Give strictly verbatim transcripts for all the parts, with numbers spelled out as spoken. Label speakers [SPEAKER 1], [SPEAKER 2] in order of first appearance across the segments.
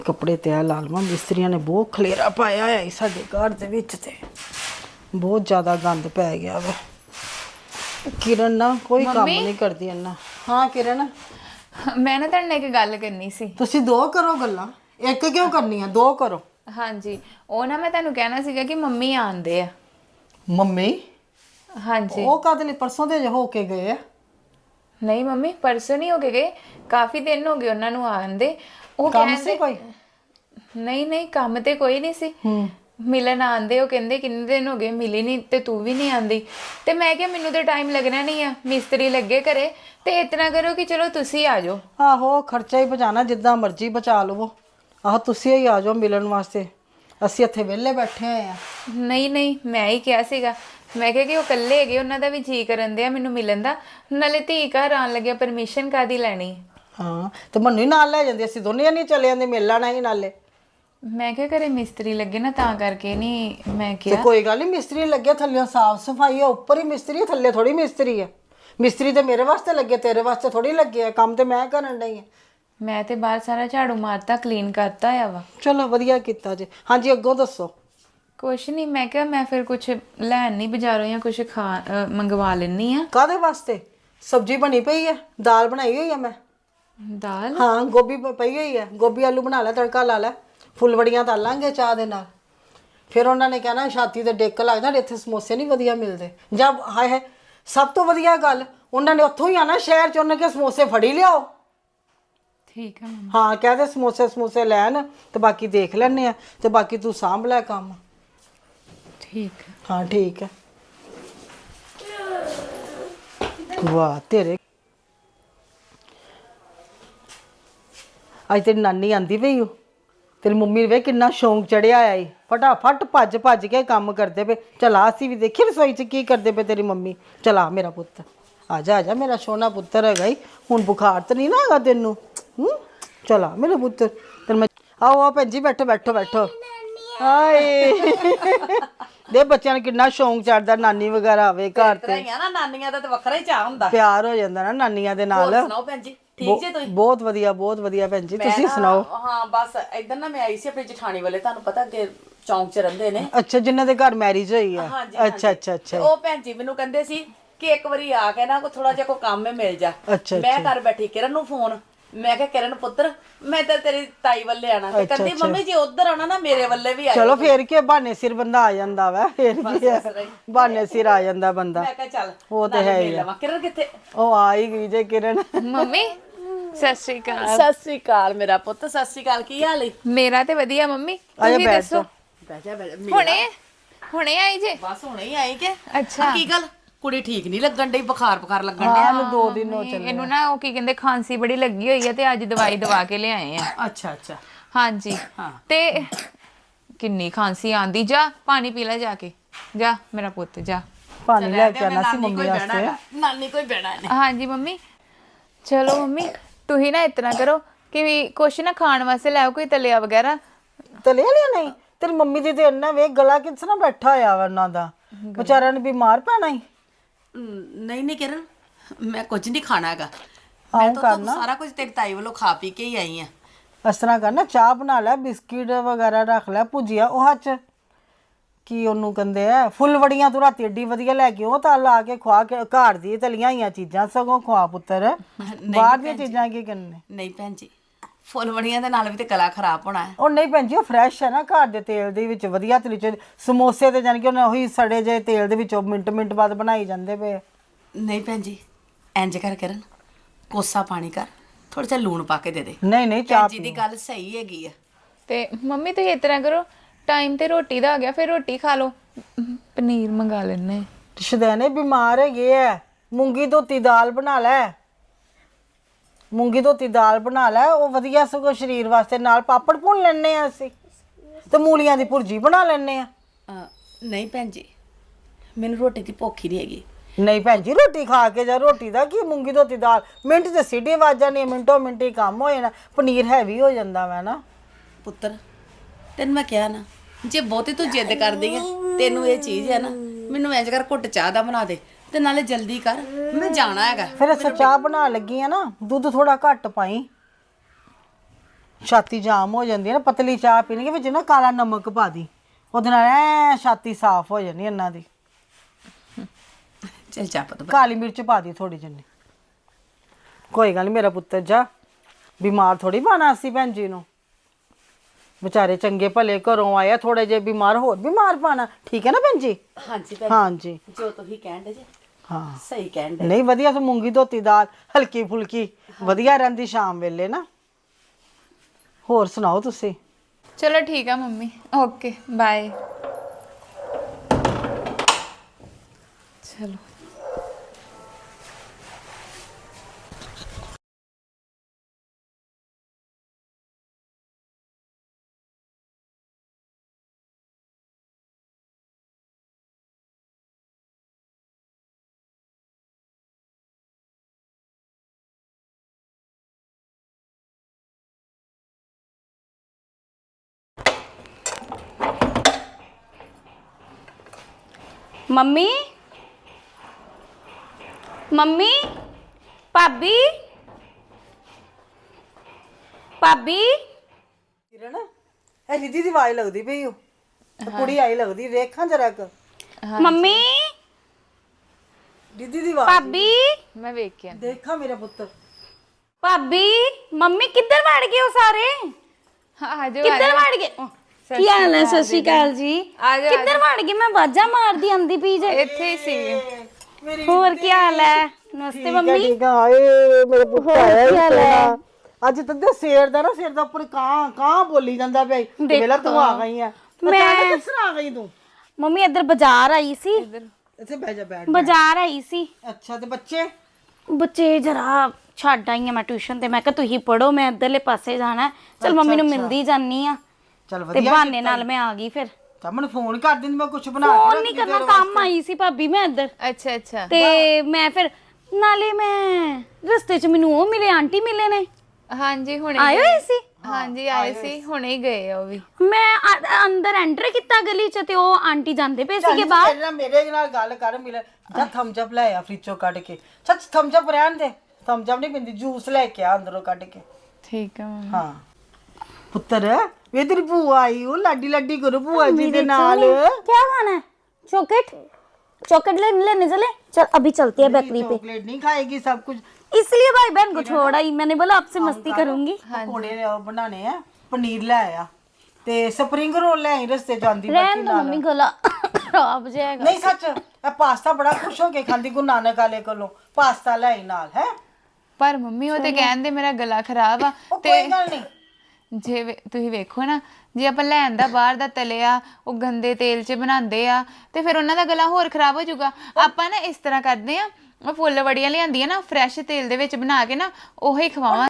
[SPEAKER 1] ਕੱਪੜੇ ਤੈਅ ਲਾ ਲਵਾਂ। ਮਿਸਤਰੀਆਂ ਨੇ ਬਹੁਤ ਖਲੇਰਾ ਪਾਇਆ ਹੈ ਸਾਡੇ ਘਰ ਦੇ ਵਿੱਚ ਤੇ ਬਹੁਤ ਜ਼ਿਆਦਾ ਗੰਦ ਪੈ ਗਿਆ ਵਾ। ਕਿਰਨ ਨਾ ਕੋਈ ਕੰਮ ਨਹੀਂ ਕਰਦੀ ਇੰਨਾ। ਹਾਂ ਕਿਰਨ,
[SPEAKER 2] ਮੈਂ ਨਾ ਤੁਹਾਡੇ ਨਾਲ ਇੱਕ ਗੱਲ ਕਰਨੀ ਸੀ।
[SPEAKER 1] ਤੁਸੀਂ ਦੋ ਕਰੋ ਗੱਲਾਂ, ਇੱਕ ਕਿਉਂ ਕਰਨੀ ਆ? ਦੋ ਕਰੋ।
[SPEAKER 2] ਹਾਂਜੀ, ਉਹ ਨਾ ਮੈਂ ਤੁਹਾਨੂੰ ਕਹਿਣਾ ਸੀਗਾ ਕਿ ਮੰਮੀ ਆਂਦੇ ਆ।
[SPEAKER 1] ਮੰਮੀ?
[SPEAKER 2] ਹਾਂਜੀ।
[SPEAKER 1] ਉਹ ਕਦ ਲਈ? ਪਰਸੋਂ ਦੇ ਹੋ ਕੇ ਗਏ ਆ।
[SPEAKER 2] ਨਹੀਂ ਮੰਮੀ, ਪਰਸੋਂ ਨਹੀਂ ਹੋ ਕੇ ਗਏ, ਕਾਫੀ ਦਿਨ ਹੋ ਗਏ ਉਹਨਾਂ ਨੂੰ ਆਂਦੇ। ਉਹ
[SPEAKER 1] ਕੰਮ ਸੀ ਕੋਈ?
[SPEAKER 2] ਨਹੀਂ ਨਹੀਂ, ਕੰਮ ਤੇ ਕੋਈ ਨਹੀਂ ਸੀ।
[SPEAKER 1] ਹੂੰ।
[SPEAKER 2] ਮਿਲਣ ਆਂਦੇ। ਉਹ ਕਹਿੰਦੇ ਕਿੰਨੇ ਦਿਨ ਹੋ ਗਏ ਮਿਲੀ ਨਹੀਂ ਤੇ ਤੂੰ ਵੀ ਨਹੀਂ ਆਂਦੀ। ਤੇ ਮੈਂ ਕਿਹਾ ਮੈਨੂੰ ਤੇ ਟਾਈਮ ਲੱਗਣਾ ਨਹੀਂ ਆ, ਮਿਸਤਰੀ ਲੱਗੇ ਘਰੇ, ਤੇ ਇਤਨਾ ਕਰੋ ਕਿ ਚਲੋ ਤੁਸੀਂ ਆ ਜਾਓ।
[SPEAKER 1] ਆਹੋ, ਖਰਚਾ ਹੀ ਬਚਾਣਾ, ਜਿੱਦਾਂ ਮਰਜ਼ੀ ਬਚਾ ਲਵੋ। ਆਹ ਤੁਸੀਂ ਹੀ ਆ ਜਾਓ ਮਿਲਣ ਵਾਸਤੇ, ਅਸੀਂ ਇੱਥੇ ਵਿਹਲੇ ਬੈਠੇ ਹੋਏ ਆ।
[SPEAKER 2] ਨਹੀਂ ਨਹੀਂ, ਮੈਂ ਹੀ ਕਿਹਾ ਸੀਗਾ। ਮੈਂ ਕਿਹਾ ਕਿ ਉਹ ਇਕੱਲੇ ਹੈਗੇ, ਉਹਨਾਂ ਦਾ ਵੀ ਜੀ ਕਰਨ ਦਿਆ ਮੈਨੂੰ ਮਿਲਣ ਦਾ। ਨਾਲੇ ਧੀ ਘਰ ਆਉਣ ਲੱਗਿਆ, ਪਰਮਿਸ਼ਨ ਕਾਹਦੀ ਲੈਣੀ।
[SPEAKER 1] ਹਾਂ, ਤੇ ਮੈਨੂੰ ਹੀ ਨਾਲ ਲੈ ਜਾਂਦੇ, ਅਸੀਂ ਦੋਨੇ ਨਹੀਂ ਚਲੇ ਜਾਂਦੇ, ਮਿਲ ਲੈਣਾ ਹੀ ਨਾਲੇ।
[SPEAKER 2] ਮੈਂ ਕਿਹਾ ਘਰੇ ਮਿਸਤਰੀ ਲੱਗੇ ਨਾ, ਤਾਂ ਕਰਕੇ ਨਹੀਂ ਮੈਂ
[SPEAKER 1] ਤੇ
[SPEAKER 2] ਕਿਹਾ।
[SPEAKER 1] ਕੋਈ ਗੱਲ ਨਹੀਂ, ਮਿਸਤਰੀ ਲੱਗੇ, ਥੱਲੇ ਸਾਫ ਸਫਾਈ ਹੈ, ਉੱਪਰ ਹੀ ਮਿਸਤਰੀ, ਥੱਲੇ ਥੋੜੀ ਮਿਸਤਰੀ ਹੈ। ਮਿਸਤਰੀ ਤੇ ਮੇਰੇ ਵਾਸਤੇ ਲੱਗੇ, ਤੇਰੇ ਵਾਸਤੇ ਥੋੜੀ ਲੱਗੇ ਆ। ਕੰਮ ਤੇ ਮੈਂ ਕਰਨ ਡਈ ਆ।
[SPEAKER 2] ਮੈਂ ਤੇ ਬਾਹਰ ਸਾਰਾ ਝਾੜੂ ਮਾਰਤਾ, ਕਲੀਨ ਕਰਤਾ ਆ ਵਾ।
[SPEAKER 1] ਚਲੋ ਵਧੀਆ ਕੀਤਾ ਜੀ। ਹਾਂਜੀ ਅੱਗੋਂ ਦੱਸੋ।
[SPEAKER 2] ਕੁਛ ਨਹੀਂ, ਮੈਂ ਕਿਹਾ ਮੈਂ ਫਿਰ ਕੁਛ ਲੈਣ ਨਹੀਂ ਬਾਜ਼ਾਰੋਂ ਜਾਂ ਕੁਛ ਖਾ ਅ, ਮੰਗਵਾ ਲੈਣੀ ਆ।
[SPEAKER 1] ਕਾਹਦੇ ਵਾਸਤੇ? ਸਬਜ਼ੀ ਬਣੀ ਪਈ ਹੈ, ਦਾਲ ਬਣਾਈ ਹੋਈ ਹੈ ਮੈਂ।
[SPEAKER 2] ਦਾਲ?
[SPEAKER 1] ਹਾਂ, ਗੋਭੀ ਪ- ਪਈ ਹੋਈ ਹੈ, ਗੋਭੀ ਆਲੂ ਬਣਾ ਲੈ, ਤੜਕਾ ਲਾ ਲੈ, ਫੁੱਲਵੜੀਆਂ ਤਲ ਲਾਂਗੇ ਚਾਹ ਦੇ ਨਾਲ। ਫਿਰ ਉਹਨਾਂ ਨੇ ਕਹਿਣਾ ਛਾਤੀ ਤੇ ਡਿੱਕ ਲੱਗਦਾ, ਇੱਥੇ ਸਮੋਸੇ ਨਹੀਂ ਵਧੀਆ ਮਿਲਦੇ। ਜਾਂ ਹਾਏ ਹਾਏ, ਸਭ ਤੋਂ ਵਧੀਆ ਗੱਲ, ਉਹਨਾਂ ਨੇ ਉੱਥੋਂ ਹੀ ਆਣਾ ਸ਼ਹਿਰ ਚ, ਉਹਨਾਂ ਕੇ ਸਮੋਸੇ ਫੜੀ ਲਿਆਓ।
[SPEAKER 2] ਠੀਕ ਹੈ ਮੰਮੀ।
[SPEAKER 1] ਹਾਂ, ਕਹਦੇ ਸਮੋਸੇ ਸਮੋਸੇ ਲੈਣ, ਤੇ ਬਾਕੀ ਦੇਖ ਲੈਣੇ ਆ, ਤੇ ਬਾਕੀ ਤੂੰ ਸਾਂਭ ਲੈ ਕੰਮ।
[SPEAKER 2] ਠੀਕ ਹੈ।
[SPEAKER 1] ਹਾਂ ਠੀਕ ਹੈ। ਵਾਹ ਤੇਰੇ, ਅੱਜ ਤੇਰੀ ਨਾਨੀ ਆਂਦੀ ਪਈ ਓ, ਤੇਰੀ ਮੰਮੀ ਵੇ ਕਿੰਨਾ ਸ਼ੌਂਕ ਚੜਿਆ ਆਇਆ ਈ, ਫਟਾਫਟ ਭੱਜ ਭੱਜ ਕੇ ਕੰਮ ਕਰਦੇ ਪਏ। ਚਲਾ, ਅਸੀਂ ਵੀ ਦੇਖੀ ਰਸੋਈ 'ਚ ਕੀ ਕਰਦੇ ਪਏ ਤੇਰੀ ਮੰਮੀ। ਚਲਾ ਮੇਰਾ ਪੁੱਤ, ਆ ਜਾ ਆ ਜਾ, ਮੇਰਾ ਸੋਹਣਾ ਪੁੱਤਰ ਹੈਗਾ ਈ। ਹੁਣ ਬੁਖਾਰ ਤਾਂ ਨਹੀਂ ਨਾ ਹੈਗਾ ਤੈਨੂੰ? ਹੂੰ, ਚਲਾ ਮੇਰਾ ਪੁੱਤਰ। ਤੈਨੂੰ ਮੈਂ ਆਓ ਆਓ ਭੈਣ ਜੀ, ਬੈਠੋ ਬੈਠੋ ਬੈਠੋ। ਹਾਏ ਦੇ ਬੱਚਿਆਂ ਨੂੰ ਕਿੰਨਾ ਸ਼ੌਂਕ ਚੜਦਾ, ਨਾਨੀ ਵਗੈਰਾ ਆਵੇ ਘਰ ਤੇ।
[SPEAKER 3] ਨਾ ਨਾਨੀਆਂ ਦਾ ਤਾਂ ਵੱਖਰਾ ਹੀ ਚਾਹ ਹੁੰਦਾ।
[SPEAKER 1] ਪਿਆਰ ਹੋ ਜਾਂਦਾ ਨਾ ਨਾਨੀਆਂ ਦੇ ਨਾਲ।
[SPEAKER 3] ਹੋਰ ਸੁਣਾਓ ਭੈਣ ਜੀ, ਠੀਕ ਜੇ ਤੁਸੀਂ?
[SPEAKER 1] ਬਹੁਤ ਵਧੀਆ ਬਹੁਤ ਵਧੀਆ ਭੈਣ ਜੀ, ਤੁਸੀਂ
[SPEAKER 3] ਮੈਂ
[SPEAKER 1] ਸੁਣਾਓ।
[SPEAKER 3] ਨਾ- ਹਾਂ ਬਸ ਇਧਰ ਨਾ ਮੈਂ ਆਈ ਸੀ ਆਪਣੀ ਜਠਾਣੀ ਵਾਲੇ, ਤੁਹਾਨੂੰ ਪਤਾ ਅੱਗੇ ਚੌਂਕ 'ਚ ਰਹਿੰਦੇ ਨੇ।
[SPEAKER 1] ਅੱਛਾ, ਜਿਨ੍ਹਾਂ ਦੇ ਘਰ ਮੈਰਿਜ ਹੋਈ ਆ।
[SPEAKER 3] ਹਾਂਜੀ
[SPEAKER 1] ਅੱਛਾ ਅੱਛਾ
[SPEAKER 3] ਤੇ
[SPEAKER 1] ਅੱਛਾ
[SPEAKER 3] ਉਹ ਭੈਣ ਜੀ ਮੈਨੂੰ ਕਹਿੰਦੇ ਸੀ ਕਿ ਇੱਕ ਵਾਰੀ ਆ ਕੇ ਨਾ ਕੋ ਥੋੜਾ ਜਿਹਾ ਕੋਈ ਕੰਮ ਹੈ ਮਿਲ ਜਾ।
[SPEAKER 1] ਅੱਛਾ,
[SPEAKER 3] ਮੈਂ ਕਰ ਬੈਠੀ ਕਿਰਨ ਨੂੰ ਫੋਨ, ਮੈਂ ਕਿਹਾ ਕਿਰਨ ਪੁੱਤਰ ਮੈਂ ਤਾਂ ਤੇਰੀ ਤਾਈ ਵੱਲੇ ਆਣਾ, ਤੇ ਕਹਿੰਦੀ ਮੰਮੀ ਜੀ ਉਧਰ ਆਣਾ ਨਾ ਮੇਰੇ ਵੱਲੇ ਵੀ ਆ।
[SPEAKER 1] ਚਲੋ ਫੇਰ ਕੀ, ਬਹਾਨੇ ਸਿਰ ਬੰਦਾ ਆ ਜਾਂਦਾ ਵਾ, ਫੇਰ ਕੀ ਹੈ, ਬਹਾਨੇ ਸਿਰ ਆ ਜਾਂਦਾ ਬੰਦਾ।
[SPEAKER 3] ਮੈਂ ਕਿਹਾ ਚੱਲ
[SPEAKER 1] ਉਹ ਤੇ ਹੈ ਹੀ ਆ।
[SPEAKER 3] ਕਿਰਨ ਕਿੱਥੇ?
[SPEAKER 1] ਉਹ ਆ ਹੀ ਗਈ ਜੇ ਕਿਰਨ।
[SPEAKER 2] ਮੰਮੀ ਸਤਿ ਸ਼੍ਰੀ ਅਕਾਲ।
[SPEAKER 3] ਸਤਿ ਸ੍ਰੀ ਅਕਾਲ ਮੇਰਾ ਪੁੱਤ, ਸਤਿ ਸ੍ਰੀ ਅਕਾਲ, ਕੀ ਹਾਲ ਹੈ?
[SPEAKER 2] ਮੇਰਾ ਤੇ ਵਧੀਆ ਮੰਮੀ,
[SPEAKER 1] ਆਜਾ
[SPEAKER 2] ਤੁਸੀਂ
[SPEAKER 1] ਬੈਠ
[SPEAKER 2] ਦੱਸੋ।
[SPEAKER 3] ਬਹਿ ਜਾ ਬਹਿ ਜਾ।
[SPEAKER 2] ਹੁਣੇ ਹੁਣੇ ਆਈ ਜੇ?
[SPEAKER 3] ਬਸ ਹੁਣੇ ਹੀ ਆਈ ਕਿ?
[SPEAKER 2] ਅੱਛਾ।
[SPEAKER 3] ਕੀ ਗੱਲ, ਕੁੜੀ ਠੀਕ ਨਹੀਂ ਲੱਗਣ ਡਈ, ਬੁਖਾਰ ਬੁਖਾਰ ਲੱਗਣ
[SPEAKER 1] ਹਾਂ,
[SPEAKER 3] ਡਿਆ?
[SPEAKER 1] ਇਹਨੂੰ ਦੋ ਦਿਨ ਹੋ ਚੱਲੇ।
[SPEAKER 2] ਇਹਨੂੰ ਨਾ ਉਹ ਕੀ ਕਹਿੰਦੇ ਖਾਂਸੀ ਬੜੀ ਲੱਗੀ ਹੋਈ ਹੈ, ਤੇ ਅੱਜ ਦਵਾਈ ਦਵਾ ਕੇ ਲਿਆਏ ਆ।
[SPEAKER 3] ਅੱਛਾ ਅੱਛਾ।
[SPEAKER 2] ਹਾਂਜੀ।
[SPEAKER 3] ਹਾਂ।
[SPEAKER 2] ਤੇ ਕਿੰਨੀ ਖਾਂਸੀ ਆਂਦੀ, ਜਾ ਪਾਣੀ ਪੀ ਲੈ ਜਾ ਕੇ, ਜਾ ਮੇਰਾ ਪੁੱਤ ਜਾ।
[SPEAKER 1] ਪਾਣੀ ਲੈ ਕੇ ਆਣਾ ਸੀ ਮੰਮੀ
[SPEAKER 3] ਕੋਈ
[SPEAKER 1] ਵਾਸਤੇ।
[SPEAKER 3] ਬਹਿਣਾ, ਨਾਨੀ ਕੋਈ ਬਹਿਣਾ ਨਹੀਂ।
[SPEAKER 2] ਹਾਂਜੀ ਮੰਮੀ। ਚਲੋ ਮੰਮੀ, ਤੁਸੀਂ ਨਾ ਇਤਨਾ ਕਰੋ ਕਿ ਵੀ ਕੁਛ ਨਾ ਖਾਣ ਵਾਸਤੇ ਲੈ ਆਓ, ਕੋਈ ਤਲਿਆ ਵਗੈਰਾ।
[SPEAKER 1] ਤਲੇ ਲਿਆ? ਨਹੀਂ, ਤੇਰੀ ਮੰਮੀ ਦੀ ਤੇ ਇੰਨਾ ਵੇਖ ਗਲਾ ਕਿਸ ਤਰ੍ਹਾਂ ਬੈਠਾ ਹੋਇਆ ਵਾ ਉਹਨਾਂ ਦਾ, ਵਿਚਾਰਿਆਂ ਨੇ ਬਿਮਾਰ ਪੈਣਾ ਹੀ।
[SPEAKER 3] ਨਹੀਂ ਨਹੀਂ ਕਿਰਨ, ਮੈਂ ਕੁਝ ਨਹੀਂ ਖਾਣਾ ਹੈਗਾ।
[SPEAKER 1] ਆਉਂ
[SPEAKER 3] ਮੈਂ ਤਾਂ
[SPEAKER 1] ਕਰਨਾ
[SPEAKER 3] ਸਾਰਾ ਕੁਝ ਤੇਰੀ ਤਾਈ ਵੱਲੋਂ ਖਾ ਪੀ ਕੇ ਹੀ ਆਈ ਆ।
[SPEAKER 1] ਇਸ ਤਰ੍ਹਾਂ ਕਰਨਾ, ਚਾਹ ਬਣਾ ਲੈ, ਬਿਸਕਿਟ ਵਗੈਰਾ ਰੱਖ ਲੈ, ਭੁਜੀਆ ਉਹ ਹੱਥ 'ਚ ਕੀ ਉਹਨੂੰ ਕਹਿੰਦੇ ਆ, ਫੁੱਲਵੜੀਆਂ ਤੂੰ ਰਾਤੀ ਏਡੀ ਵਧੀਆ ਲੈ ਕੇ ਉਹ ਤਾਂ ਲਾ ਕੇ ਖਵਾ ਕੇ, ਘਰ ਦੀ ਤਲੀਆਂ ਹੋਈਆਂ ਚੀਜ਼ਾਂ ਸਗੋਂ ਖਵਾ ਪੁੱਤਰ, ਬਾਹਰ ਦੀਆਂ ਚੀਜ਼ਾਂ ਕੀ ਕਰਨੇ।
[SPEAKER 3] ਨਹੀਂ ਭੈਣ ਜੀ, ਫੁੱਲਵੜੀਆਂ ਦੇ ਨਾਲ ਵੀ ਤੇ ਗਲਾ ਖਰਾਬ ਹੋਣਾ ਹੈ।
[SPEAKER 1] ਉਹ ਨਹੀਂ ਭੈਣ ਜੀ, ਉਹ ਫਰੈਸ਼ ਹੈ ਨਾ, ਘਰ ਦੇ ਤੇਲ ਦੇ ਵਿੱਚ ਵਧੀਆ ਤਰੀਕੇ। ਸਮੋਸੇ ਤੇ ਜਾਨ ਕਿ ਉਹਨੇ ਉਹੀ ਸੜੇ ਜਿਹੇ ਤੇਲ ਦੇ ਵਿੱਚੋਂ ਮਿੰਟ ਮਿੰਟ ਬਾਅਦ ਬਣਾਈ ਜਾਂਦੇ ਪਏ।
[SPEAKER 3] ਨਹੀਂ ਭੈਣ ਜੀ, ਇੰਜ ਕਰ ਕਰਨ, ਕੋਸਾ ਪਾਣੀ ਕਰ, ਥੋੜਾ ਜਿਹਾ ਲੂਣ ਪਾ ਕੇ ਦੇ ਦੇ।
[SPEAKER 1] ਨਹੀਂ ਨਹੀਂ,
[SPEAKER 3] ਭੈਣ
[SPEAKER 1] ਚਾਹ
[SPEAKER 3] ਜੀ ਦੀ ਗੱਲ ਸਹੀ ਹੈਗੀ ਆ।
[SPEAKER 2] ਤੇ ਮੰਮੀ ਤੁਸੀਂ ਇਤਨਾ ਕਰੋ, ਟਾਈਮ ਤੇ ਰੋਟੀ ਦਾ ਆ ਗਿਆ, ਫਿਰ ਰੋਟੀ ਖਾ ਲਓ, ਪਨੀਰ ਮੰਗਾ ਲੈਣੇ।
[SPEAKER 1] ਸ਼ਦੈਨੇ ਬਿਮਾਰ ਹੈਗੇ ਆ, ਮੂੰਗੀ ਧੋਤੀ ਦਾਲ ਬਣਾ ਲੈ, ਮੂੰਗੀ ਧੋਤੀ ਦਾਲ ਬਣਾ ਲੈ, ਉਹ ਵਧੀਆ ਸਗੋਂ ਸਰੀਰ ਵਾਸਤੇ। ਨਾਲ ਪਾਪੜ ਭੁੰਨ ਲੈਣੇ ਆ ਅਸੀਂ, ਤੇ ਮੂਲੀਆਂ ਦੀ ਭੁਰਜੀ ਬਣਾ ਲੈਣੇ ਆ।
[SPEAKER 3] ਅਹ, ਨਹੀਂ ਭੈਣ ਜੀ, ਮੈਨੂੰ ਰੋਟੀ ਦੀ ਭੁੱਖ ਹੀ ਨਹੀਂ ਹੈਗੀ।
[SPEAKER 1] ਨਹੀਂ ਭੈਣ ਜੀ, ਰੋਟੀ ਖਾ ਕੇ ਜਾ, ਰੋਟੀ ਦਾ ਕੀ, ਮੂੰਗੀ ਧੋਤੀ ਦਾਲ ਮਿੰਟ ਤੇ ਸੀਟੀ ਵੱਜ ਜਾਣੀ, ਮਿੰਟੋ ਮਿੰਟ ਹੀ ਕੰਮ ਹੋ ਜਾਣਾ। ਪਨੀਰ ਹੈਵੀ ਹੋ ਜਾਂਦਾ ਵਾ ਨਾ
[SPEAKER 3] ਪੁੱਤਰ, ਤੈਨੂੰ ਮੈਂ ਕਿਹਾ ਨਾ, ਜੇ ਬਹੁਤੀ ਤੂੰ ਜਿੱਦ ਕਰਦੀ ਆ, ਤੈਨੂੰ ਇਹ ਚੀਜ਼ ਹੈ ਨਾ, ਮੈਨੂੰ ਇੰਜ ਕਰ ਘੁੱਟ ਚਾਹ ਦਾ ਬਣਾ ਦੇ, ਤੇ ਨਾਲੇ ਜਲਦੀ ਕਰ, ਮੈਂ ਜਾਣਾ ਹੈਗਾ।
[SPEAKER 1] ਫਿਰ ਅਸੀਂ ਚਾਹ ਬਣਾ ਲੱਗੀ ਆ ਨਾ, ਦੁੱਧ ਥੋੜਾ ਘੱਟ ਪਾਈ, ਛਾਤੀ ਜਾਮ ਹੋ ਜਾਂਦੀ ਹੈ ਨਾ, ਪਤਲੀ ਚਾਹ ਪੀਣਗੇ ਵਿੱਚ ਨਾ ਕਾਲਾ ਨਮਕ ਪਾ ਦੀ, ਉਹਦੇ ਨਾਲ ਐ ਛਾਤੀ ਸਾਫ਼ ਹੋ ਜਾਣੀ ਇਹਨਾਂ ਦੀ।
[SPEAKER 3] ਚੱਲ ਚਾਹ ਪੁੱਤ
[SPEAKER 1] ਕਾਲੀ ਮਿਰਚ ਪਾ ਦੀ ਥੋੜੀ ਜਿਹੀ। ਕੋਈ ਗੱਲ ਨੀ ਮੇਰਾ ਪੁੱਤਰ ਜਾ, ਬਿਮਾਰ ਥੋੜੀ ਪਾਣਾ ਸੀ ਭੈਣ ਜੀ ਨੂੰ, ਵਿਚਾਰੇ ਚੰਗੇ ਭਲੇ ਘਰੋਂ ਆਇਆ, ਥੋੜੇ ਜਿਹੇ ਬਿਮਾਰ ਹੋਰ ਬਿਮਾਰ ਪਾਣਾ, ਠੀਕ ਹੈ ਨਾ ਭੈਣ ਜੀ?
[SPEAKER 3] ਹਾਂਜੀ ਭੈਣ
[SPEAKER 1] ਹਾਂਜੀ
[SPEAKER 3] ਜੋ ਤੁਸੀਂ ਕਹਿੰਦੇ ਜੇ
[SPEAKER 1] ਹਾਂ
[SPEAKER 3] ਸਹੀ ਕਹਿੰਦੇ।
[SPEAKER 1] ਨਹੀਂ ਵਧੀਆ ਤੂੰ ਮੂੰਗੀ ਧੋਤੀ ਦਾਲ ਹਲਕੀ ਫੁਲਕੀ ਵਧੀਆ ਰਹਿੰਦੀ ਸ਼ਾਮ ਵੇਲੇ ਨਾ। ਹੋਰ ਸੁਣਾਓ ਤੁਸੀਂ?
[SPEAKER 2] ਚਲੋ ਠੀਕ ਆ ਮੰਮੀ, ਓਕੇ ਬਾਏ। ਚਲੋ
[SPEAKER 4] ਮੰਮੀ ਮੰਮੀ ਭਾਬੀ ਭਾਬੀ
[SPEAKER 1] ਕਿਰਨ ਇਹ ਰਿੱਧੀ ਦੀ ਆਵਾਜ਼ ਲੱਗਦੀ ਪਈ ਉਹ, ਤੇ ਕੁੜੀ ਆਈ ਲੱਗਦੀ, ਵੇਖਾਂ ਜਰਾ ਕ
[SPEAKER 4] ਮੰਮੀ
[SPEAKER 1] ਰਿੱਧੀ ਦੀ ਆਵਾਜ਼,
[SPEAKER 4] ਭਾਬੀ
[SPEAKER 2] ਮੈਂ ਵੇਖ ਕੇ ਆਉਂਦੀ।
[SPEAKER 1] ਦੇਖਾਂ ਮੇਰਾ ਪੁੱਤਰ।
[SPEAKER 4] ਭਾਬੀ ਮੰਮੀ ਕਿੱਧਰ ਵੜ ਗਏ ਹੋ ਸਾਰੇ?
[SPEAKER 2] ਹਾਂ ਆ ਜਾਓ
[SPEAKER 4] ਕਿੱਧਰ ਵੜ ਗਏ? ਕੀ ਹਾਲ ਹੈ? ਸਤਿ ਸ਼੍ਰੀ ਅਕਾਲ ਜੀ।
[SPEAKER 2] ਆ ਜਾਓ,
[SPEAKER 4] ਕਿੱਧਰ ਵੜ ਗਏ? ਮੈਂ ਬਾਜਾ ਮਾਰਦੀ ਆਂਦੀ ਪਈ ਜੇ।
[SPEAKER 2] ਇੱਥੇ ਹੀ ਸੀ।
[SPEAKER 1] ਮੇਰੀ
[SPEAKER 4] ਹੋਰ ਕੀ ਹਾਲ ਹੈ? ਨਮਸਤੇ ਮੰਮੀ।
[SPEAKER 1] ਠੀਕ ਆ, ਹਾਏ ਮੇਰੇ ਪੁੱਤ
[SPEAKER 4] ਹੋਰ
[SPEAKER 1] ਆਇਆ
[SPEAKER 4] ਕੀ ਹਾਲ ਹੈ?
[SPEAKER 1] ਸੋਹਣਾ। ਅੱਜ ਤੱਕ ਸਿਰ ਦਾ ਨਾ, ਸਿਰ ਦਾ ਉੱਪਰ ਕਾਂ ਕਾਂ ਬੋਲੀ ਜਾਂਦਾ ਪਿਆ, ਵੇਲਾ ਤੂੰ ਆ ਗਈ ਆ।
[SPEAKER 4] ਮੈਂ-
[SPEAKER 1] ਅਚਾਨਕ ਕਿਸ ਤਰ੍ਹਾਂ ਆ ਗਈ ਤੂੰ?
[SPEAKER 4] ਮੰਮੀ ਇੱਧਰ ਬਾਜ਼ਾਰ ਆਈ ਸੀ।
[SPEAKER 1] ਇੱਥੇ ਬਹਿ ਜਾ, ਬੈਠ।
[SPEAKER 4] ਬਾਜ਼ਾਰ ਆਈ ਸੀ।
[SPEAKER 1] ਅੱਛਾ ਤੇ ਬੱਚੇ?
[SPEAKER 4] ਬੱਚੇ ਜਰਾ ਛੱਡ ਆਈ ਆ ਮੈਂ ਟਿਊਸ਼ਨ ਤੇ। ਮੈਂ ਕਿਹਾ ਤੁਸੀਂ ਪੜੋ, ਮੈਂ ਇੱਧਰਲੇ ਪਾਸੇ ਜਾਣਾ ਹੈ। ਚਲ ਮੰਮੀ ਨੂੰ ਮਿਲਦੀ ਜਾਨੀ ਆ,
[SPEAKER 1] ਚਲ
[SPEAKER 4] ਤੇ
[SPEAKER 1] ਵਧੀਆ
[SPEAKER 4] ਬਹਾਨੇ ਨਾਲ ਮੈਂ ਆ ਗਈ ਫਿਰ।
[SPEAKER 1] ਤਾਂ ਮੈਨੂੰ ਫੋਨ ਕਰ ਦਿੰਦੀ, ਮੈਂ ਕੁਝ ਬਣਾ ਕੇ
[SPEAKER 4] ਫੋਨ ਨਹੀਂ ਕਰਨਾ, ਕੰਮ ਆਈ ਸੀ ਭਾਬੀ ਮੈਂ ਇੱਧਰ।
[SPEAKER 2] ਅੱਛਾ ਅੱਛਾ
[SPEAKER 4] ਤੇ ਮੈਂ ਫਿਰ ਨਾਲੇ ਮੈਂ ਰਸਤੇ 'ਚ ਮੈਨੂੰ ਉਹ ਮਿਲੇ, ਆਂਟੀ ਮਿਲੇ ਨੇ।
[SPEAKER 2] ਹਾਂਜੀ ਹੁਣੇ
[SPEAKER 4] ਆਏ ਹੋਏ ਸੀ।
[SPEAKER 2] ਹਾਂਜੀ ਆਏ ਸੀ, ਹੁਣੇ ਹੀ ਗਏ ਆ ਉਹ ਵੀ।
[SPEAKER 4] ਮੈਂ ਅ- ਅੰਦਰ ਐਂਟਰ ਕੀਤਾ ਗਲੀ 'ਚ, ਤੇ ਉਹ ਆਂਟੀ ਜਾਂਦੇ ਪਏ ਸੀਗੇ ਬਾਹਰ।
[SPEAKER 1] ਬਾਹਰ ਮੇਰੇ ਨਾਲ ਗੱਲ ਕਰ, ਮਿਲ ਜਾ ਥਮਸ ਅਪ ਲੈ ਆ ਫ੍ਰਿਜੋਂ ਕੱਢ ਕੇ। ਸੱਚ ਥਮਸ ਅਪ ਰਹਿਣ ਦੇ, ਥਮਸ ਅਪ ਨਹੀਂ ਪਿੰਦੀ, ਜੂਸ ਲੈ ਕੇ ਆ ਅੰਦਰੋਂ ਕੱਢ ਕੇ।
[SPEAKER 2] ਠੀਕ ਆ ਮੰਮੀ।
[SPEAKER 1] ਹਾਂ ਪੁੱਤਰ ਵੇ ਤੇਰੀ ਭੂਆ ਆਈ, ਉਹ ਲਾਡੀ ਲਾਡੀ ਕਰੋ ਭੂਆ ਜੀ ਦੇ ਨਾਲ।
[SPEAKER 4] क्या खाना है? चॉकलेट चॉकलेट ले लेने चले? चल अभी चलते हैं बेकरी पे।
[SPEAKER 1] चॉकलेट नहीं खाएगी सब कुछ।
[SPEAKER 4] इसलिए भाई बहन को छोड़ा ही, मैंने बोला आपसे मस्ती करूंगी।
[SPEAKER 1] पकोड़े बनाने हैं, पनीर ले आया ते स्प्रिंग रोल ले आई रस्ते जांदी
[SPEAKER 4] रहन दो मम्मी, गला खराब हो जाएगा।
[SPEAKER 1] नहीं सच ए पास्ता बड़ा खुश हो के खांदी गुरु नानक वाले कोलों पास्ता ले आई नाल है।
[SPEAKER 2] ਪਰ ਮੰਮੀ ਉਹ ਤੇ ਕਹਿੰਦੇ ਮੇਰਾ ਗਲਾ ਖਰਾਬ ਆ।
[SPEAKER 1] ओ कोई गल नहीं,
[SPEAKER 2] ਜੇ ਵੇ- ਤੁਸੀਂ ਵੇਖੋ ਨਾ, ਜੇ ਆਪਾਂ ਲੈਣ ਦਾ ਬਾਹਰ ਦਾ ਤਲਿਆ, ਉਹ ਗੰਦੇ ਤੇਲ 'ਚ ਬਣਾਉਂਦੇ ਆ, ਤੇ ਫਿਰ ਉਹਨਾਂ ਦਾ ਗਲਾ ਹੋਰ ਖਰਾਬ ਹੋ ਜਾਊਗਾ। ਆਪਾਂ ਨਾ ਇਸ ਤਰ੍ਹਾਂ ਕਰਦੇ ਆ, ਉਹ ਫੁੱਲ ਵੜੀਆਂ ਲਿਆਂਦੀਆਂ ਨਾ, ਫਰੈਸ਼ ਤੇਲ ਦੇ ਵਿੱਚ ਬਣਾ ਕੇ ਨਾ ਉਹੀ ਖਵਾਵਾਂ।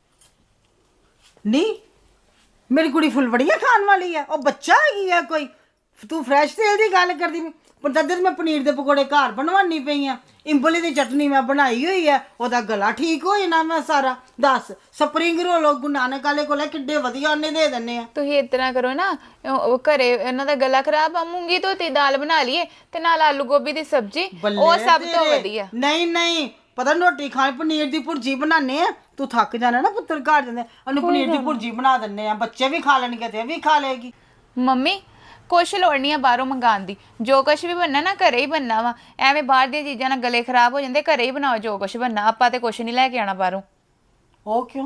[SPEAKER 1] नहीं मेरी कुड़ी फुलवड़ियां खान वाली है, ओ बच्चा हैगी है कोई? तू फ्रेश तेल दी गल करदी पर तद मैं पनीर दे पकौड़े घर बनवानी पई आ, इंबली दी चटनी मैं बनाई हुई है, ओदा गला ठीक हो जाना मैं सारा। दस स्प्रिंग रोल गुरु नानक वाले कोल किड्डे वधिया ਉਹਨੇ ਦੇ ਦਿੰਨੇ ਆ।
[SPEAKER 2] ਤੁਸੀਂ ਇਸ ਤਰ੍ਹਾਂ ਕਰੋ ਨਾ, ਉਹ ਉਹ ਘਰੇ ਇਹਨਾਂ ਦਾ ਗਲਾ ਖਰਾਬ ਆ, ਮੂੰਗੀ ਧੋਤੀ ਦਾਲ ਬਣਾ ਲਈਏ ਤੇ ਨਾਲ ਆਲੂ ਗੋਭੀ ਦੀ ਸਬਜ਼ੀ, ਉਹ ਸਭ ਤੋਂ ਵਧੀਆ।
[SPEAKER 1] ਨਹੀਂ ਨਹੀਂ ਪਤਾ ਰੋਟੀ ਖਾਣ, ਪਨੀਰ ਦੀ ਭੁਰਜੀ ਬਣਾਣੇ ਆ। ਤੂੰ ਥੱਕ ਜਾਣਾ ਨਾ ਪੁੱਤਰ, ਘਰ ਜਾਂਦੇ ਉਹਨੂੰ ਪਨੀਰ ਦੀ ਭੁਰਜੀ ਬਣਾ ਦਿੰਨੇ ਆ, ਬੱਚੇ ਵੀ ਖਾ ਲੈਣਗੇ ਤੇ ਇਹ ਵੀ ਖਾ ਲਏਗੀ।
[SPEAKER 2] ਮੰਮੀ ਕੁਛ ਲੋੜ ਨਹੀਂ ਆ ਬਾਹਰੋਂ ਮੰਗਾਉਣ ਦੀ, ਜੋ ਕੁਛ ਵੀ ਬਣਨਾ ਨਾ ਘਰੇ ਹੀ ਬਣਨਾ ਵਾ। ਐਵੇਂ ਬਾਹਰ ਦੀਆਂ ਚੀਜ਼ਾਂ ਨਾਲ ਗਲੇ ਖਰਾਬ ਹੋ ਜਾਂਦੇ, ਘਰੇ ਹੀ ਬਣਾਓ ਜੋ ਕੁਛ ਬਣਨਾ। ਆਪਾਂ ਤੇ ਕੁਛ ਨਹੀਂ ਲੈ ਕੇ ਆਣਾ ਬਾਹਰੋਂ।
[SPEAKER 1] ਉਹ ਕਿਉਂ?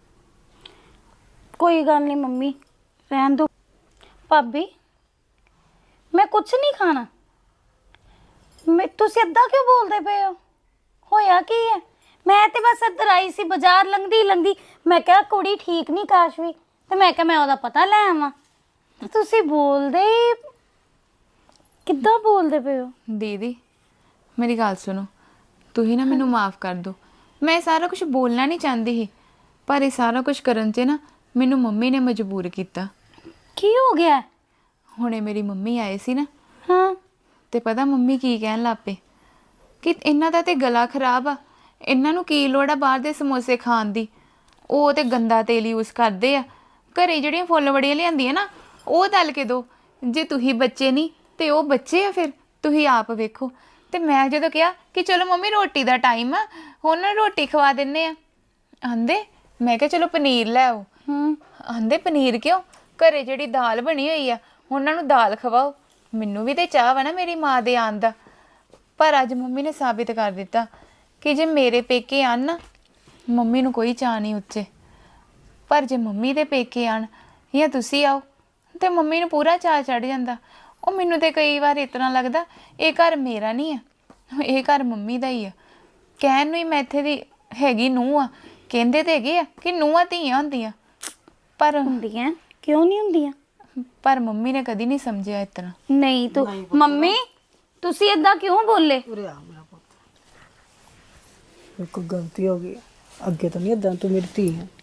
[SPEAKER 4] कोई गल नहीं मम्मी, रहन दो। भाभी मैं कुछ नहीं खाना। मैं तुसी इदां क्यों बोलदे पे हो? होया की है? मैं ते बस इधर आई सी, बाजार लंघदी लंघदी मैं कहा कुड़ी ठीक नहीं काशवी, ते मैं कहा मैं ओदा पता ले आवां। ते तुसी बोलदे किद्दां बोलदे पे हो?
[SPEAKER 2] ਦੀਦੀ ਮੇਰੀ ਗੱਲ ਸੁਣੋ, ਤੁਸੀਂ ਨਾ ਮੈਨੂੰ ਮਾਫ ਕਰ ਦਿਓ। ਮੈਂ ਇਹ ਸਾਰਾ ਕੁਝ ਬੋਲਣਾ ਨਹੀਂ ਚਾਹੁੰਦੀ ਸੀ, ਪਰ ਇਹ ਸਾਰਾ ਕੁਝ ਕਰਨ 'ਚ ਨਾ ਮੈਨੂੰ ਮੰਮੀ ਨੇ ਮਜਬੂਰ ਕੀਤਾ।
[SPEAKER 4] की हो गया?
[SPEAKER 2] ਹੁਣੇ ਮੇਰੀ ਮੰਮੀ ਆਏ ਸੀ ਨਾ,
[SPEAKER 4] हाँ
[SPEAKER 2] ਤੇ ਪਤਾ ਮੰਮੀ ਕੀ ਕਹਿਣ ਲੱਗ ਪਏ ਕਿ ਇਹਨਾਂ ਦਾ ਤੇ ਗਲਾ ਖਰਾਬ ਆ, ਇਹਨਾਂ ਨੂੰ ਕੀ ਲੋੜ ਆ ਬਾਹਰ ਦੇ ਸਮੋਸੇ ਖਾਣ ਦੀ, ਉਹ ਤੇ ਗੰਦਾ ਤੇਲ ਯੂਜ਼ ਕਰਦੇ ਆ। ਘਰੇ ਜਿਹੜੀਆਂ ਫੁੱਲ ਵੜੀਆਂ ਲਿਆਂਦੀਆਂ ਨਾ, ਉਹ ਤਲ ਕੇ ਦੋ। ਜੇ ਤੁਸੀਂ ਬੱਚੇ ਨਹੀਂ ਤੇ ਉਹ ਬੱਚੇ ਆ, ਫਿਰ ਤੁਸੀਂ ਆਪ ਵੇਖੋ। ਤੇ ਮੈਂ ਜਦੋਂ ਕਿਹਾ ਕਿ ਚਲੋ ਮੰਮੀ ਰੋਟੀ ਦਾ ਟਾਈਮ ਆ, ਹੁਣ ਨਾ ਰੋਟੀ ਖਵਾ ਦਿੰਨੇ ਆ, ਆਂਦੇ ਮੈਂ ਕਿਹਾ ਚਲੋ ਪਨੀਰ ਲੈ ਆਓ।
[SPEAKER 4] ਹੂੰ
[SPEAKER 2] ਆਂਦੇ ਪਨੀਰ ਕਿਉਂ? ਘਰੇ ਜਿਹੜੀ ਦਾਲ ਬਣੀ ਹੋਈ ਆ ਉਹਨਾਂ ਨੂੰ ਦਾਲ ਖਵਾਓ। ਮੈਨੂੰ ਵੀ ਤੇ ਚਾਹ ਵਾ ਨਾ ਮੇਰੀ ਮਾਂ ਦੇ ਆਉਣ ਦਾ। ਪਰ ਅੱਜ ਮੰਮੀ ਨੇ ਸਾਬਿਤ ਕਰ ਦਿੱਤਾ ਕਿ ਜੇ ਮੇਰੇ ਪੇਕੇ ਆਣ ਨਾ, ਮੰਮੀ ਨੂੰ ਕੋਈ ਚਾਹ ਨਹੀਂ ਉੱਚੇ। ਪਰ ਜੇ ਮੰਮੀ ਦੇ ਪੇਕੇ ਆਣ ਜਾਂ ਤੁਸੀਂ ਆਓ ਤੇ ਮੰਮੀ ਨੂੰ ਪੂਰਾ ਚਾਹ ਚੜ ਜਾਂਦਾ। ਉਹ ਮੈਨੂੰ ਤੇ ਕਈ ਵਾਰ ਇਸ ਤਰ੍ਹਾਂ ਲੱਗਦਾ ਇਹ ਘਰ ਮੇਰਾ ਨਹੀਂ ਆ, ਇਹ ਘਰ ਮੰਮੀ ਦਾ ਹੀ ਆ। ਕਹਿਣ ਨੂੰ ਹੀ ਮੈਂ ਇੱਥੇ ਦੀ ਹੈਗੀ ਨੂੰਹ ਆ, ਕਹਿੰਦੇ ਤੇ ਹੈਗੇ ਆ ਕਿ ਨੂੰਹਾਂ ਧੀਆਂ ਹੁੰਦੀਆਂ, ਪਰ
[SPEAKER 4] ਹੁੰਦੀਆਂ ਕਿਉਂ ਨਹੀਂ ਹੁੰਦੀਆਂ?
[SPEAKER 2] ਪਰ ਮੰਮੀ ਨੇ ਕਦੀ ਨਹੀਂ ਸਮਝਿਆ ਇਸ ਤਰ੍ਹਾਂ।
[SPEAKER 4] ਨਹੀਂ ਤੂੰ ਮੰਮੀ ਤੁਸੀਂ ਏਦਾਂ ਕਿਉਂ ਬੋਲੇ?
[SPEAKER 1] ਉਰੇ ਆ ਮੇਰਾ ਪੁੱਤ, ਮੇਰੇ ਕੋਲ ਗਲਤੀ ਹੋ ਗਈ, ਅੱਗੇ ਤੋਂ ਨਹੀਂ ਏਦਾਂ। ਤੂੰ ਮੇਰੀ ਧੀ ਹੈ,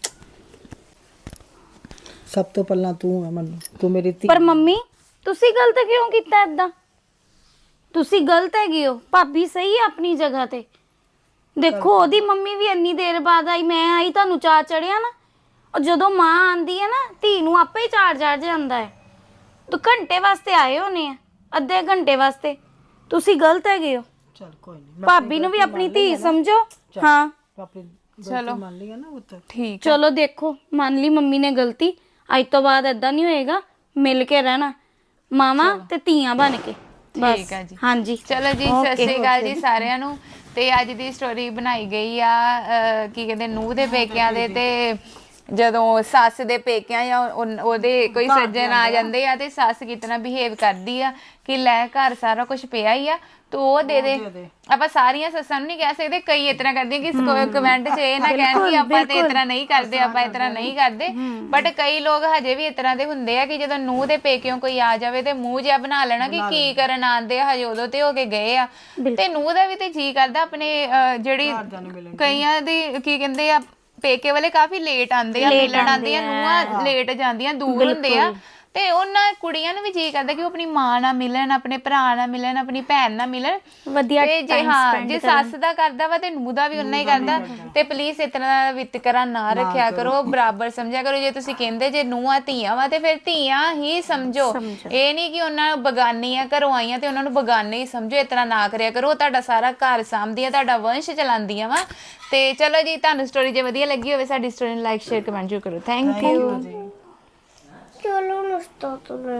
[SPEAKER 1] ਸਭ ਤੋਂ ਪਹਿਲਾਂ ਤੂੰ ਹੈ ਮੈਨੂੰ, ਤੂੰ ਮੇਰੀ ਧੀ।
[SPEAKER 4] ਪਰ ਮੰਮੀ ਤੁਸੀਂ ਗਲਤ ਕਿਉਂ ਕੀਤਾ ਏਦਾਂ? ਤੁਸੀਂ ਗਲਤ ਹੈਗੇ ਹੋ। ਭਾਬੀ ਸਹੀ ਹੈ ਆਪਣੀ ਜਗ੍ਹਾ ਤੇ। ਦੇਖੋ ਉਹਦੀ ਮੰਮੀ ਵੀ ਇੰਨੀ ਦੇਰ ਬਾਅਦ ਆਈ, ਮੈਂ ਆਈ, ਤੁਹਾਨੂੰ ਚਾਅ ਚੜਿਆ ਨਾ। ਉਹ ਜਦੋਂ ਮਾਂ ਆਂਦੀ ਹੈ ਨਾ ਧੀ ਨੂੰ ਆਪੇ ਹੀ ਚਾਰ ਚੜ ਜਾਂਦਾ ਹੈ। ਤੂੰ ਘੰਟੇ ਵਾਸਤੇ ਆਏ ਹੋਣੇ ਆ, ਅੱਧੇ ਘੰਟੇ ਵਾਸਤੇ। ਤੁਸੀਂ ਗਲਤ ਹੈਗੇ ਹੋ।
[SPEAKER 1] ਚਲ ਕੋਈ ਨਹੀਂ,
[SPEAKER 4] ਭਾਬੀ ਨੂੰ ਵੀ ਆਪਣੀ ਧੀ ਸਮਝੋ। ਹਾਂ
[SPEAKER 1] ਆਪਣੀ ਗਲਤੀ ਮੰਨ ਲਈ ਹੈ ਨਾ ਪੁੱਤ।
[SPEAKER 2] ਠੀਕ
[SPEAKER 4] ਚਲੋ ਦੇਖੋ ਮੰਨ ਲਈ ਮੰਮੀ ਨੇ ਗਲਤੀ। ਅੱਜ ਤੋਂ ਬਾਅਦ ਏਦਾਂ ਨਹੀਂ ਹੋਏਗਾ, ਮਿਲ ਕੇ ਰਹਿਣਾ ਮਾਵਾਂ ਤੇ ਧੀਆਂ ਬਣ ਕੇ। ਬਸ
[SPEAKER 2] ਠੀਕ ਆ ਜੀ।
[SPEAKER 4] ਹਾਂਜੀ
[SPEAKER 2] ਚਲੋ ਜੀ, ਸਤਿ ਸ਼੍ਰੀ ਅਕਾਲ ਜੀ ਸਾਰਿਆਂ ਨੂੰ। ਤੇ ਅੱਜ ਦੀ ਸਟੋਰੀ ਬਣਾਈ ਗਈ ਆ ਅਹ, ਕੀ ਕਹਿੰਦੇ ਨੂੰਹ ਦੇ ਪੇਕਿਆਂ ਦੇ। ਤੇ ਜਦੋਂ ਸੱਸ ਦੇ ਪੇਕਿਆਂ ਜਾਂ ਉਨ- ਉਹਦੇ ਕੋਈ ਸੱਜਣ ਆ ਜਾਂਦੇ ਆ ਤੇ ਸੱਸ ਕਿਤਨਾ ਬਿਹੇਵ ਕਰਦੀ ਆ ਕਿ ਲੈ ਘਰ ਸਾਰਾ ਕੁਝ ਪਿਆ ਹੀ ਆ ਤੂੰ ਉਹ ਦੇ ਦੇ। ਆਪਾਂ ਸਾਰੀਆਂ ਸੱਸਾਂ ਨੂੰ ਨਹੀਂ ਕਹਿ ਸਕਦੇ, ਕਈ ਇਸ ਤਰ੍ਹਾਂ ਕਰਦੀਆਂ ਕਿ ਕਮੈਂਟ 'ਚ ਇਹ ਨਾ ਕਹਿਣ ਕਿ ਆਪਾਂ ਤੇ ਇਸ ਤਰ੍ਹਾਂ ਨਹੀਂ ਕਰਦੇ, ਆਪਾਂ ਇਸ ਤਰ੍ਹਾਂ ਨਹੀਂ ਕਰਦੇ। ਬਟ ਕਈ ਲੋਕ ਹਜੇ ਵੀ ਇਸ ਤਰ੍ਹਾਂ ਦੇ ਹੁੰਦੇ ਆ ਕਿ ਜਦੋਂ ਨੂੰਹ ਦੇ ਪੇਕਿਓਂ ਕੋਈ ਆ ਜਾਵੇ ਤੇ ਮੂੰਹ ਜਿਹਾ ਬਣਾ ਲੈਣਾ ਕਿ ਕੀ ਕਰਨ ਆਂਦੇ ਆ, ਹਜੇ ਉਦੋਂ ਤੇ ਹੋ ਕੇ ਗਏ ਆ। ਤੇ ਨੂੰਹ ਦਾ ਵੀ ਤੇ ਜੀ ਕਰਦਾ ਆਪਣੇ ਅਹ, ਜਿਹੜੀ ਕਈਆਂ ਦੀ ਕੀ ਕਹਿੰਦੇ ਆ ਪੇਕੇ ਵਾਲੇ ਕਾਫੀ ਲੇਟ ਆਂਦੇ ਆ, ਮਿਲਣ ਆਂਦੇ ਆ, ਨੂੰਹਾਂ ਲੇਟ ਜਾਂਦੀਆਂ, ਦੂਰ ਹੁੰਦੇ ਆ। ਤੇ ਉਹਨਾਂ ਕੁੜੀਆਂ ਨੂੰ ਵੀ ਜੀ ਕਰਦਾ ਕਿ ਉਹ ਆਪਣੀ ਮਾਂ ਨਾਲ ਮਿਲਣ, ਆਪਣੇ ਭਰਾ ਨਾਲ ਮਿਲਣ, ਆਪਣੀ ਭੈਣ ਨਾਲ ਮਿਲਣ
[SPEAKER 4] ਵਧੀਆ।
[SPEAKER 2] ਤੇ ਜੇ ਹਾਂ ਜੇ ਸੱਸ ਦਾ ਕਰਦਾ ਵਾ ਤੇ ਨੂੰਹ ਦਾ ਵੀ ਉਨਾ ਹੀ ਕਰਦਾ। ਤੇ ਪਲੀਜ਼ ਇਸ ਤਰ੍ਹਾਂ ਦਾ ਵਿਤਕਰਾ ਨਾ ਰੱਖਿਆ ਕਰੋ, ਬਰਾਬਰ ਸਮਝਿਆ ਕਰੋ। ਜੇ ਤੁਸੀਂ ਕਹਿੰਦੇ ਜੇ ਨੂੰਹਾਂ ਧੀਆਂ ਵਾ ਤੇ ਫਿਰ ਧੀਆਂ ਹੀ ਸਮਝੋ। ਇਹ ਨਹੀਂ ਕਿ ਉਹਨਾਂ ਨੂੰ ਬਗਾਨੀ ਆ, ਘਰੋਂ ਆਈਆਂ ਤੇ ਉਹਨਾਂ ਨੂੰ ਬਗਾਨੇ ਹੀ ਸਮਝੋ। ਇਸ ਤਰ੍ਹਾਂ ਨਾ ਕਰਿਆ ਕਰੋ। ਤੁਹਾਡਾ ਸਾਰਾ ਘਰ ਸਾਂਭਦੀਆਂ, ਤੁਹਾਡਾ ਵੰਸ਼ ਚਲਾਉਂਦੀਆਂ ਵਾ। ਤੇ ਚਲੋ ਜੀ, ਤੁਹਾਨੂੰ ਸਟੋਰੀ ਜੇ ਵਧੀਆ ਲੱਗੀ ਹੋਵੇ ਸਾਡੀ ਸਟੋਰੀ ਨੂੰ ਲਾਈਕ ਸ਼ੇਅਰ ਕਮੈਂਟ ਜ਼ਰੂਰ ਕਰੋ। Thank you.
[SPEAKER 5] Yo lo no estoy